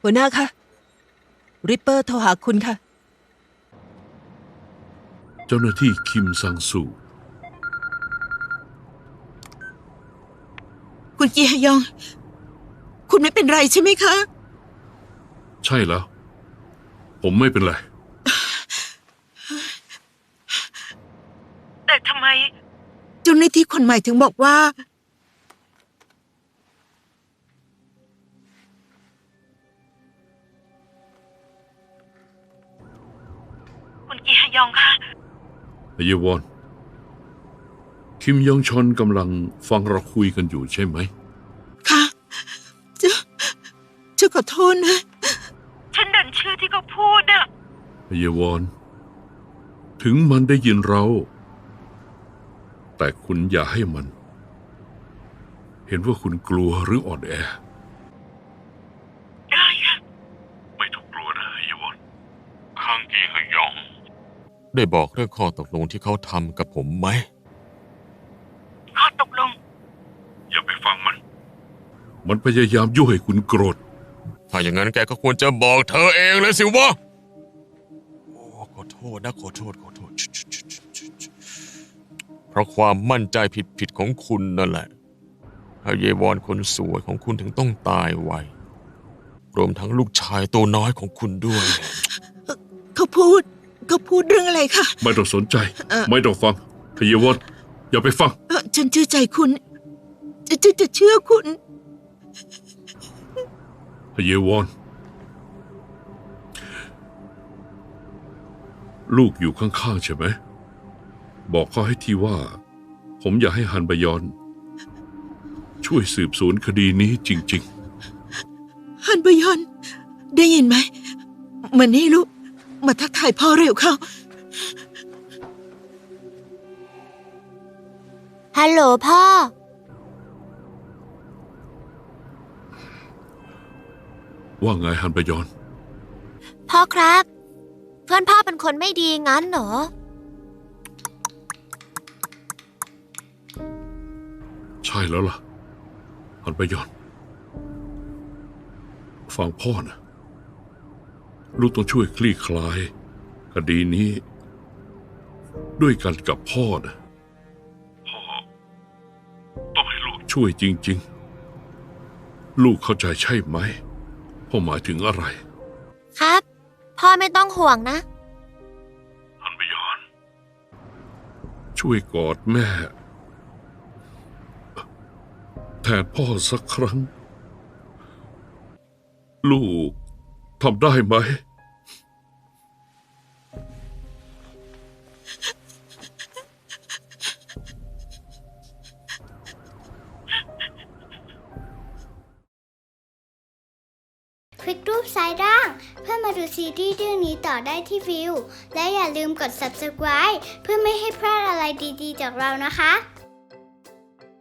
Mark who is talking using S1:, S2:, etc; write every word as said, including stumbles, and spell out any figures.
S1: หัวหน้าคะริปเปอร์โทรหาคุณค่ะ
S2: เจ้าหน้าที่คิมซังซู
S3: คุณจีฮยองคุณไม่เป็นไรใช่ไหมคะ
S2: ใช่แล้วผมไม่เป็นไร
S3: แต่ทำไมเจ้าหน้าที่คนใหม่ถึงบอกว่าคุณจีฮยองคะ
S2: เยวอนคิมยองชอนกำลังฟังเราคุยกันอยู่ใช่ไหม
S3: ค่ะเจ้าเจ้าขอโทษนะฉันดันเชื่อที่เขาพูดอะ
S2: เยวอนถึงมันได้ยินเราแต่คุณอย่าให้มันเห็นว่าคุณกลัวหรืออ่อนแอ
S3: ได้ค่ะ
S2: ไม่ต้องกลัวนะเยวอนข้างกีฮยอง
S4: ได้บอกเรื่องข้อตกลงที่เขาทำกับผมไหม
S3: ข้อตกลง
S2: อย่าไปฟังมันมันพยายามยั่วให้คุณโกรธ
S4: ถ้าอย่างนั้นแกก็ควรจะบอกเธอเองเลยสิวะโอ้ขอโทษนะขอโทษขอโทษเพราะความมั่นใจผิดๆของคุณนั่นแหละฮเยวอนคนสวยของคุณถึงต้องตายไวรวมทั้งลูกชายตัวน้อยของคุณด้วย
S3: เขาพูดเขาพูดเรื่องอะไรคะ
S2: ไม่ต้องสนใจไม่ต้องฟังฮเยวอนอย่าไปฟัง
S3: ฉันเชื่อใจคุณจะจะจะเชื่อคุณ
S2: ฮเยวอนลูกอยู่ข้างๆใช่ไหมบอกเขาให้ทีว่าผมอยากให้ฮันบยอนช่วยสืบสวนคดีนี้จริง
S3: ๆฮันบยอนได้ยินไหมมานี่ลูกมาทักทายพ่อเร็วเข้า
S5: ฮัลโหลพ่อ
S2: ว่าไงฮันบยอน
S5: พ่อครับเพื่อนพ่อเป็นคนไม่ดีงั้นเหรอ
S2: ใช่แล้วล่ะฮันบยอนฟังพ่อนะลูกต้องช่วยคลี่คลายคดีนี้ด้วยกันกับพ่อนะพ่อต้องให้ลูกช่วยจริงๆลูกเข้าใจใช่ไหมพ่อหมายถึงอะไร
S5: ครับพ่อไม่ต้องห่วงนะ
S2: ฮันบยอนช่วยกอดแม่แทนพ่อสักครั้งลูกทำได้ไหม
S6: คลิกรูปซ้ายล่างเพื่อมาดูซีรีส์เรื่องนี้ต่อได้ที่วิวและอย่าลืมกด ซับสไครบ์ เพื่อไม่ให้พลาดอะไรดีๆจากเรานะคะ